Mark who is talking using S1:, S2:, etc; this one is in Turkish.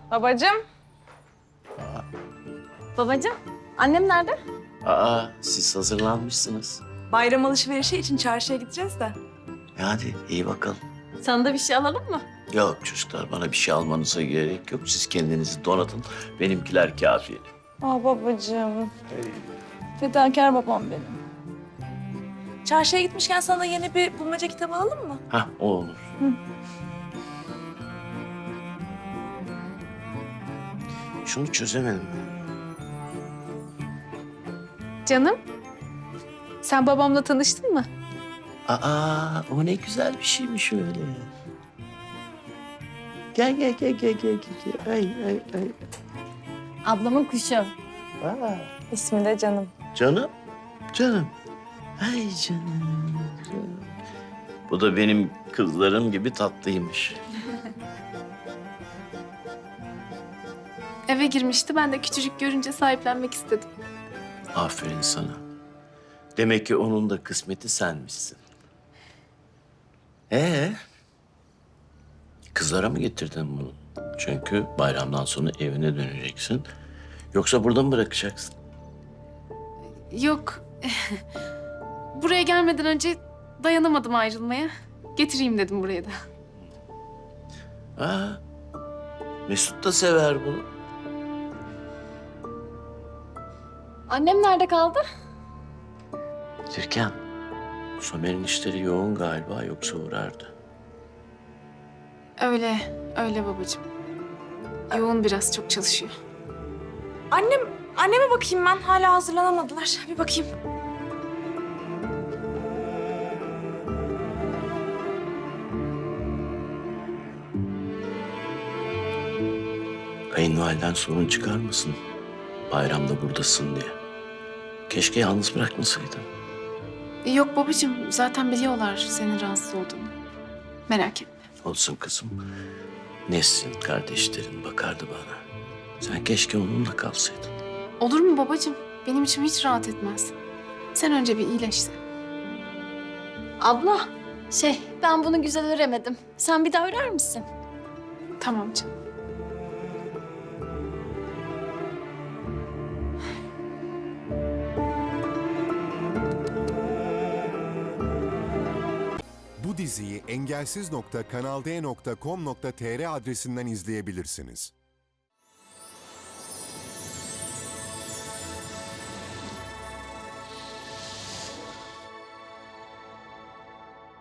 S1: Babacığım.
S2: Babacığım, annem nerede?
S3: Aa, siz hazırlanmışsınız.
S1: Bayram alışverişi için çarşıya gideceğiz de.
S3: Hadi iyi bakalım.
S2: Sana da bir şey alalım mı?
S3: Yok çocuklar, bana bir şey almanıza gerek yok. Siz kendinizi donatın. Benimkiler kafi.
S1: Aa babacığım. Fedakar babam benim. Çarşıya gitmişken sana yeni bir bulmaca kitabı alalım mı?
S3: Hah, o olur. Şunu çözemedim.
S4: Canım, sen babamla tanıştın mı?
S3: Aa, o ne güzel bir şeymiş öyle. Gel. Ay.
S2: Ablamın kuşu.
S3: Aa,
S1: İsmi de Canım.
S3: canım. Ay canım. Bu da benim kızlarım gibi tatlıymış.
S4: Eve girmişti, ben de küçücük görünce sahiplenmek istedim.
S3: Aferin sana. Demek ki onun da kısmeti senmişsin. Kızlara mı getirdin bunu? Çünkü bayramdan sonra evine döneceksin. Yoksa burada mı bırakacaksın?
S4: Yok, buraya gelmeden önce dayanamadım ayrılmaya. Getireyim dedim buraya da.
S3: Aa, Mesut da sever bunu.
S2: Annem nerede kaldı?
S3: Türkan, Somer'in işleri yoğun galiba, yoksa uğrardı.
S4: Öyle babacığım. Yoğun biraz, çok çalışıyor.
S1: Anneme bakayım ben. Hala hazırlanamadılar. Bir bakayım.
S3: Kayınvaliden sorun çıkarmasın. Bayramda buradasın diye. Keşke yalnız bırakmasaydın.
S4: Yok babacığım, zaten biliyorlar senin rahatsız olduğunu. Merak etme.
S3: Olsun kızım. Nesrin, kardeşlerin bakardı bana. Sen keşke onunla kalsaydın.
S4: Olur mu babacığım? Benim içim hiç rahat etmez. Sen önce bir iyileşsin.
S2: Abla, ben bunu güzel öremedim. Sen bir daha örer misin?
S4: Tamam canım.
S5: Bu diziyi engelsiz.kanalde.com.tr adresinden izleyebilirsiniz.